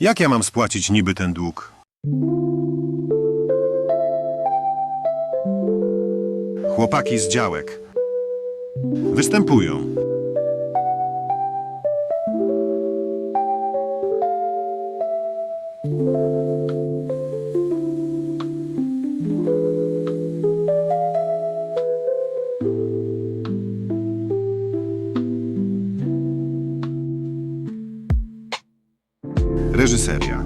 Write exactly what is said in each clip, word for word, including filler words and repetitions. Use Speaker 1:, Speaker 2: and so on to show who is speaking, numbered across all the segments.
Speaker 1: Jak ja mam spłacić niby ten dług? Chłopaki z działek występują. Reżyseria.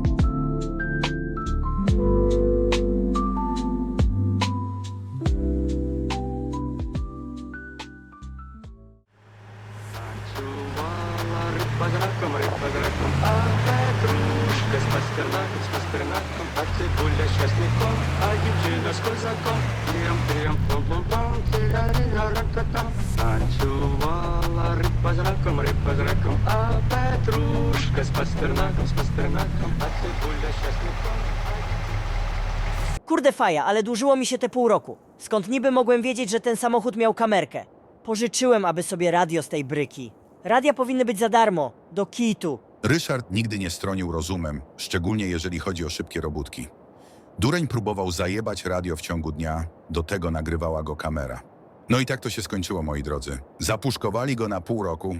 Speaker 2: Танцевала рыба за раком, рыба за раком, а петрушка с пастернаком, с пастернаком, а цибуля с чесноком, а девчина с козаком. Тирам-тирам, пом-пом-пом, тирарина-ракатам. Танцевала рыба за раком, рыба за раком, а петрушка с пастернаком, с пастернаком, а цибуля с чесноком.
Speaker 3: Kurde faja, ale dłużyło mi się te pół roku. Skąd niby mogłem wiedzieć, że ten samochód miał kamerkę? Pożyczyłem, aby sobie radio z tej bryki. Radia powinny być za darmo, do kitu.
Speaker 4: Ryszard nigdy nie stronił rozumem, szczególnie jeżeli chodzi o szybkie robótki. Dureń próbował zajebać radio w ciągu dnia, do tego nagrywała go kamera. No i tak to się skończyło, moi drodzy. Zapuszkowali go na pół roku.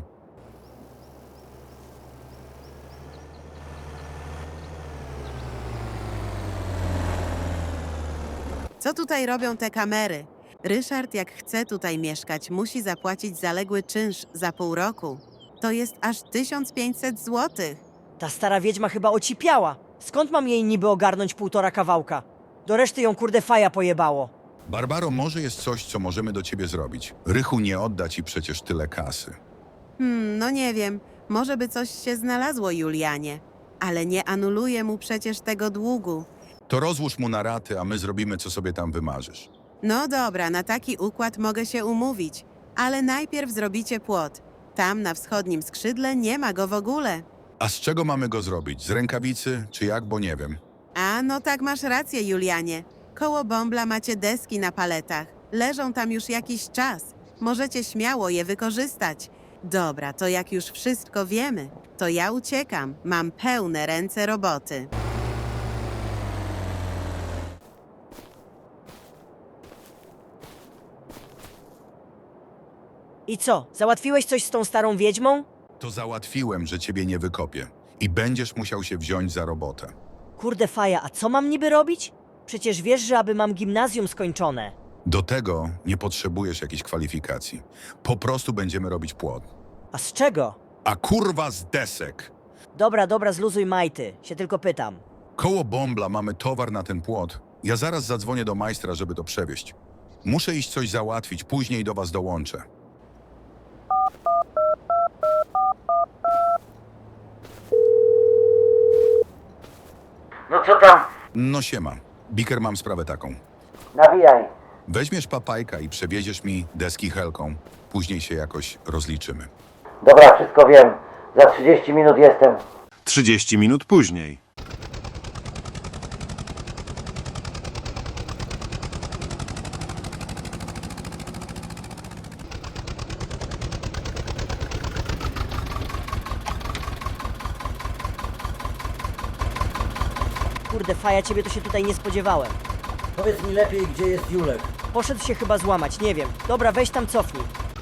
Speaker 5: Co tutaj robią te kamery? Ryszard, jak chce tutaj mieszkać, musi zapłacić zaległy czynsz za pół roku. To jest aż tysiąc pięćset złotych.
Speaker 3: Ta stara wiedźma chyba ocipiała. Skąd mam jej niby ogarnąć półtora kawałka? Do reszty ją kurde faja pojebało.
Speaker 4: Barbaro, może jest coś, co możemy do ciebie zrobić. Rychu nie odda ci przecież tyle kasy.
Speaker 5: Hmm, no nie wiem. Może by coś się znalazło, Julianie. Ale nie anuluje mu przecież tego długu.
Speaker 4: To rozłóż mu na raty, a my zrobimy, co sobie tam wymarzysz.
Speaker 5: No dobra, na taki układ mogę się umówić. Ale najpierw zrobicie płot. Tam na wschodnim skrzydle nie ma go w ogóle.
Speaker 4: A z czego mamy go zrobić? Z rękawicy, czy jak, bo nie wiem.
Speaker 5: A, no tak, masz rację, Julianie. Koło bąbla macie deski na paletach. Leżą tam już jakiś czas. Możecie śmiało je wykorzystać. Dobra, to jak już wszystko wiemy, to ja uciekam. Mam pełne ręce roboty.
Speaker 3: I co, załatwiłeś coś z tą starą wiedźmą?
Speaker 4: To załatwiłem, że ciebie nie wykopię. I będziesz musiał się wziąć za robotę.
Speaker 3: Kurde faja, a co mam niby robić? Przecież wiesz, że aby mam gimnazjum skończone.
Speaker 4: Do tego nie potrzebujesz jakichś kwalifikacji. Po prostu będziemy robić płot.
Speaker 3: A z czego?
Speaker 4: A kurwa z desek!
Speaker 3: Dobra, dobra, zluzuj majty. Się tylko pytam.
Speaker 4: Koło bąbla mamy towar na ten płot. Ja zaraz zadzwonię do majstra, żeby to przewieźć. Muszę iść coś załatwić, później do was dołączę.
Speaker 6: No co tam?
Speaker 4: No siema. Biker, mam sprawę taką.
Speaker 6: Nawijaj.
Speaker 4: Weźmiesz papajka i przewieziesz mi deski helką. Później się jakoś rozliczymy.
Speaker 6: Dobra, wszystko wiem. Za trzydzieści minut jestem.
Speaker 1: trzydzieści minut później.
Speaker 3: Kurde faja, ciebie to się tutaj nie spodziewałem.
Speaker 7: Powiedz mi lepiej, gdzie jest Julek.
Speaker 3: Poszedł się chyba złamać, nie wiem. Dobra, weź tam cofnij.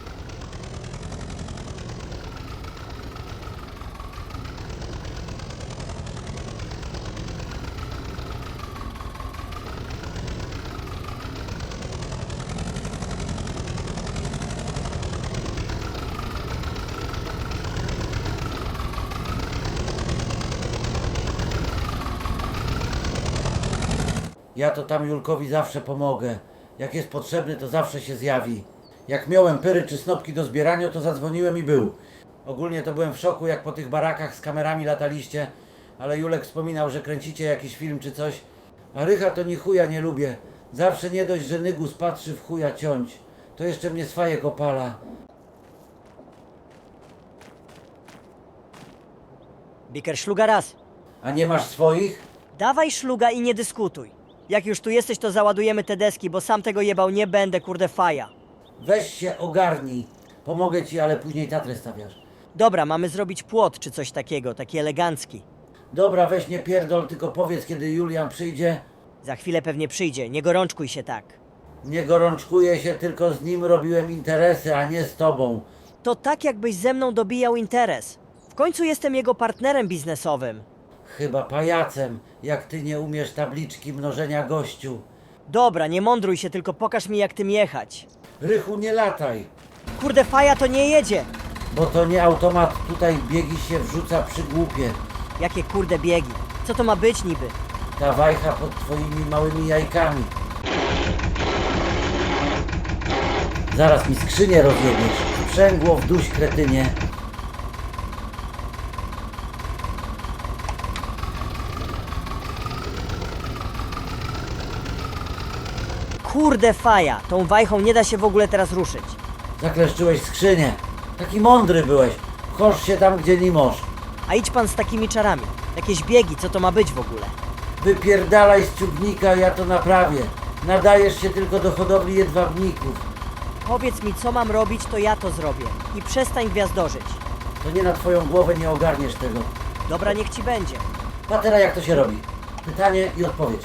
Speaker 7: Ja to tam Julkowi zawsze pomogę. Jak jest potrzebny, to zawsze się zjawi. Jak miałem pyry czy snopki do zbierania, to zadzwoniłem i był. Ogólnie to byłem w szoku, jak po tych barakach z kamerami lataliście, ale Julek wspominał, że kręcicie jakiś film czy coś. A Rycha to ni chuja nie lubię. Zawsze nie dość, że Nygus patrzy w chuja ciąć. To jeszcze mnie swajek opala.
Speaker 3: Biker, szluga raz.
Speaker 7: A nie masz swoich?
Speaker 3: Dawaj szluga i nie dyskutuj. Jak już tu jesteś, to załadujemy te deski, bo sam tego jebał nie będę, kurde faja.
Speaker 7: Weź się ogarnij. Pomogę ci, ale później tatrę stawiasz.
Speaker 3: Dobra, mamy zrobić płot czy coś takiego, taki elegancki.
Speaker 7: Dobra, weź nie pierdol, tylko powiedz, kiedy Julian przyjdzie.
Speaker 3: Za chwilę pewnie przyjdzie, nie gorączkuj się tak.
Speaker 7: Nie gorączkuję się, tylko z nim robiłem interesy, a nie z tobą.
Speaker 3: To tak jakbyś ze mną dobijał interes. W końcu jestem jego partnerem biznesowym.
Speaker 7: Chyba pajacem, jak ty nie umiesz tabliczki mnożenia gościu.
Speaker 3: Dobra, nie mądruj się, tylko pokaż mi jak tym jechać.
Speaker 7: Rychu, nie lataj,
Speaker 3: Kurde, faja to nie jedzie.
Speaker 7: bo to nie automat, tutaj biegi się wrzuca przy głupie.
Speaker 3: Jakie kurde biegi. Co to ma być niby?
Speaker 7: Ta wajcha pod twoimi małymi jajkami. Zaraz mi skrzynię rozjebiesz. Sprzęgło w duś, kretynie.
Speaker 3: Kurde faja, tą wajchą nie da się w ogóle teraz ruszyć.
Speaker 7: Zakleszczyłeś skrzynię. Taki mądry byłeś. Chorz się tam, gdzie nie możesz.
Speaker 3: A idź pan z takimi czarami. Jakieś biegi, co to ma być w ogóle?
Speaker 7: Wypierdalaj z ciągnika, ja to naprawię. Nadajesz się tylko do hodowli jedwabników.
Speaker 3: Powiedz mi co mam robić, to ja to zrobię. I przestań gwiazdorzyć.
Speaker 7: To nie na twoją głowę, nie ogarniesz tego.
Speaker 3: Dobra, niech ci będzie.
Speaker 7: Patera, jak to się robi? Pytanie i odpowiedź.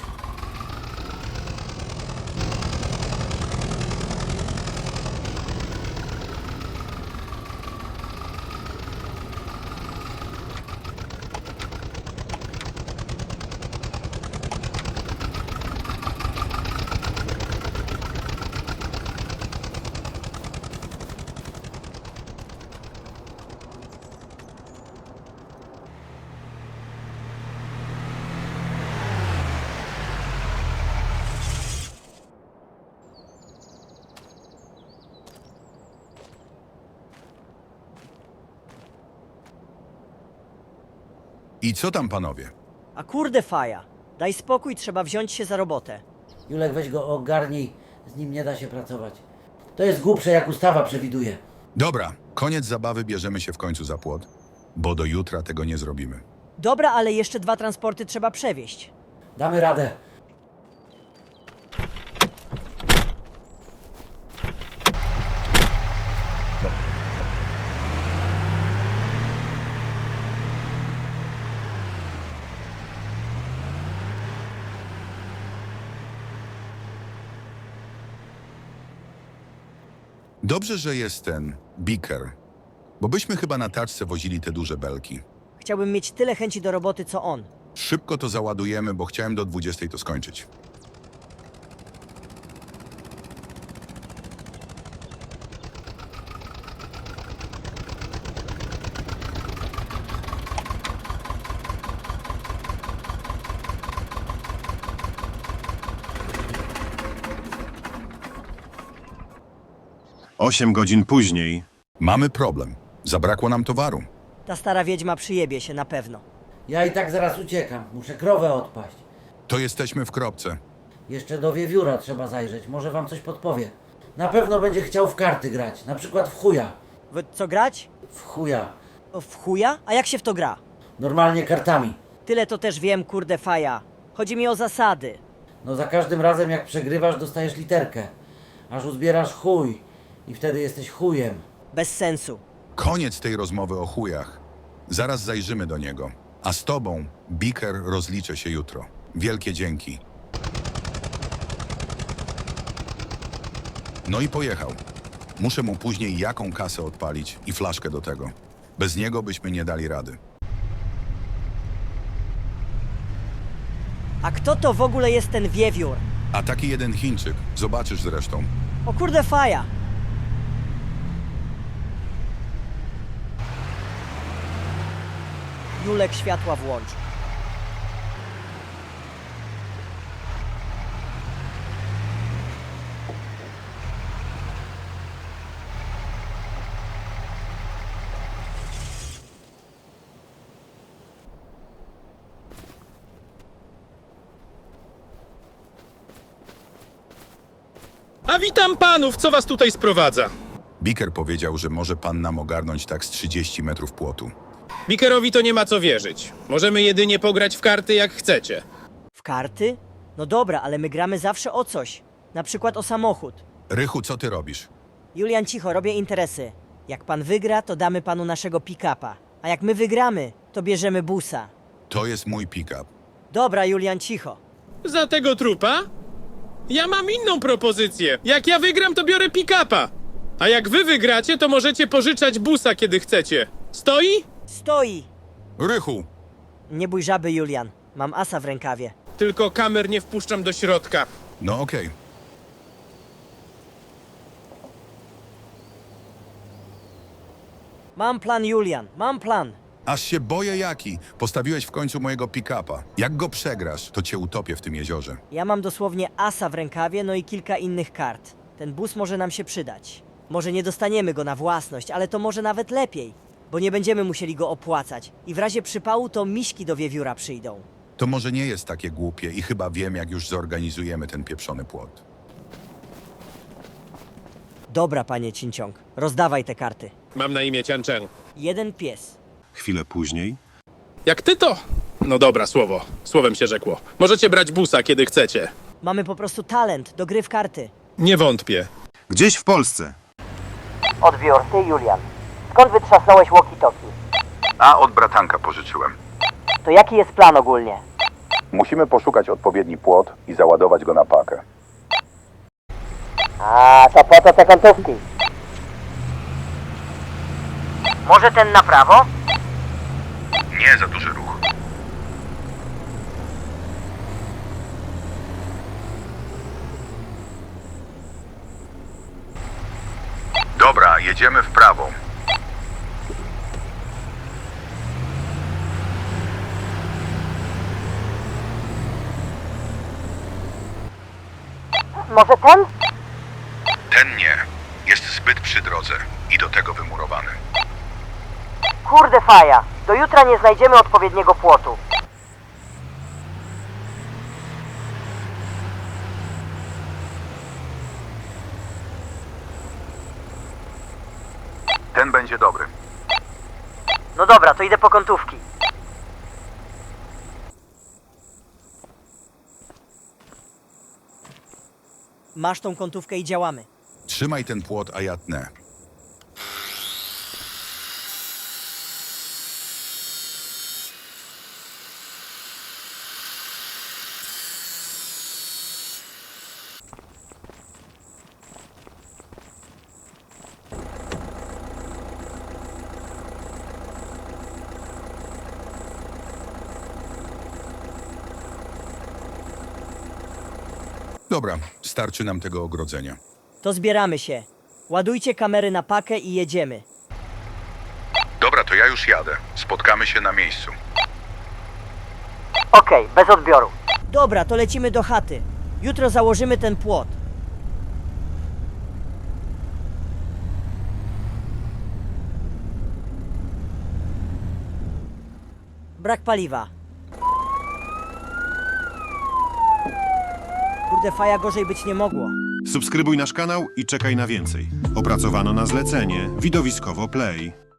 Speaker 4: I co tam, panowie?
Speaker 3: A kurde faja. Daj spokój, trzeba wziąć się za robotę.
Speaker 7: Julek, weź go ogarnij. Z nim nie da się pracować. To jest głupsze, jak ustawa przewiduje.
Speaker 4: Dobra, koniec zabawy, bierzemy się w końcu za płot, bo do jutra tego nie zrobimy.
Speaker 3: Dobra, ale jeszcze dwa transporty trzeba przewieźć.
Speaker 7: Damy radę.
Speaker 4: Dobrze, że jest ten Beaker, bo byśmy chyba na taczce wozili te duże belki.
Speaker 3: Chciałbym mieć tyle chęci do roboty, co on.
Speaker 4: Szybko to załadujemy, bo chciałem do dwudziestej to skończyć.
Speaker 1: Osiem godzin później.
Speaker 4: Mamy problem. Zabrakło nam towaru.
Speaker 3: Ta stara wiedźma przyjebie się na pewno.
Speaker 7: Ja i tak zaraz uciekam. Muszę krowę odpaść.
Speaker 4: To jesteśmy w kropce.
Speaker 7: Jeszcze do wiewióra trzeba zajrzeć. Może wam coś podpowie. Na pewno będzie chciał w karty grać. Na przykład w chuja.
Speaker 3: W co grać?
Speaker 7: W chuja.
Speaker 3: O, w chuja? A jak się w to gra?
Speaker 7: Normalnie kartami.
Speaker 3: Tyle to też wiem, kurde faja. Chodzi mi o zasady.
Speaker 7: No za każdym razem jak przegrywasz, dostajesz literkę. Aż uzbierasz chuj. I wtedy jesteś chujem.
Speaker 3: Bez sensu.
Speaker 4: Koniec tej rozmowy o chujach. Zaraz zajrzymy do niego. A z tobą, Beaker, rozliczę się jutro. Wielkie dzięki. No i pojechał. Muszę mu później jaką kasę odpalić i flaszkę do tego. Bez niego byśmy nie dali rady.
Speaker 3: A kto to w ogóle jest ten wiewiór?
Speaker 4: A taki jeden Chińczyk, zobaczysz zresztą.
Speaker 3: O kurde faja. Julek, światła włącz.
Speaker 8: A witam panów, co was tutaj sprowadza?
Speaker 4: Beaker powiedział, że może pan nam ogarnąć tak z trzydzieści metrów płotu.
Speaker 8: Bikerowi to nie ma co wierzyć. Możemy jedynie pograć w karty jak chcecie.
Speaker 3: W karty? No dobra, ale my gramy zawsze o coś. Na przykład o samochód.
Speaker 4: Rychu, co ty robisz?
Speaker 3: Julian, cicho, robię interesy. Jak pan wygra, to damy panu naszego pick-upa. A jak my wygramy, to bierzemy busa.
Speaker 4: To jest mój pick-up.
Speaker 3: Dobra, Julian, cicho.
Speaker 8: Za tego trupa? Ja mam inną propozycję. Jak ja wygram, to biorę pick-upa. A jak wy wygracie, to możecie pożyczać busa, kiedy chcecie. Stoi?
Speaker 3: Stoi!
Speaker 4: Rychu!
Speaker 3: Nie bój żaby, Julian. Mam asa w rękawie.
Speaker 8: Tylko kamer nie wpuszczam do środka.
Speaker 4: No okej.
Speaker 3: Mam plan, Julian, mam plan.
Speaker 4: Aż się boję jaki. Postawiłeś w końcu mojego pick-upa. Jak go przegrasz, to cię utopię w tym jeziorze.
Speaker 3: Ja mam dosłownie asa w rękawie, no i kilka innych kart. Ten bus może nam się przydać. Może nie dostaniemy go na własność, ale to może nawet lepiej, bo nie będziemy musieli go opłacać. I w razie przypału to miśki do wiewióra przyjdą.
Speaker 4: To może nie jest takie głupie i chyba wiem, jak już zorganizujemy ten pieprzony płot.
Speaker 3: Dobra, panie Cinciąg, rozdawaj te karty.
Speaker 8: Mam na imię Cian Chen.
Speaker 3: Jeden pies.
Speaker 1: Chwilę później.
Speaker 8: Jak ty to? No dobra, słowo. Słowem się rzekło. Możecie brać busa, kiedy chcecie.
Speaker 3: Mamy po prostu talent do gry w karty.
Speaker 8: Nie wątpię.
Speaker 1: Gdzieś w Polsce.
Speaker 3: Odbiór, ty, Julian. Skąd wytrzasnąłeś walkie-talkie?
Speaker 4: A od bratanka pożyczyłem.
Speaker 3: To jaki jest plan ogólnie?
Speaker 4: Musimy poszukać odpowiedni płot i załadować go na pakę.
Speaker 3: A, to po to te kątówki. Może ten na prawo?
Speaker 4: Nie za duży ruch. Dobra, jedziemy w prawo.
Speaker 3: Może ten?
Speaker 4: Ten nie. Jest zbyt przy drodze i do tego wymurowany.
Speaker 3: Kurde faja, do jutra nie znajdziemy odpowiedniego płotu.
Speaker 4: Ten będzie dobry.
Speaker 3: No dobra, to idę po kątówki. Masz tą kątówkę i działamy.
Speaker 4: Trzymaj ten płot, a ja tnę. Dobra, starczy nam tego ogrodzenia.
Speaker 3: To zbieramy się. Ładujcie kamery na pakę i jedziemy.
Speaker 4: Dobra, to ja już jadę. Spotkamy się na miejscu.
Speaker 3: Okej, bez odbioru. Dobra, to lecimy do chaty. Jutro założymy ten płot. Brak paliwa. Kurde, faja, gorzej być nie mogło.
Speaker 1: Subskrybuj nasz kanał i czekaj na więcej. Opracowano na zlecenie Widowiskowo Play.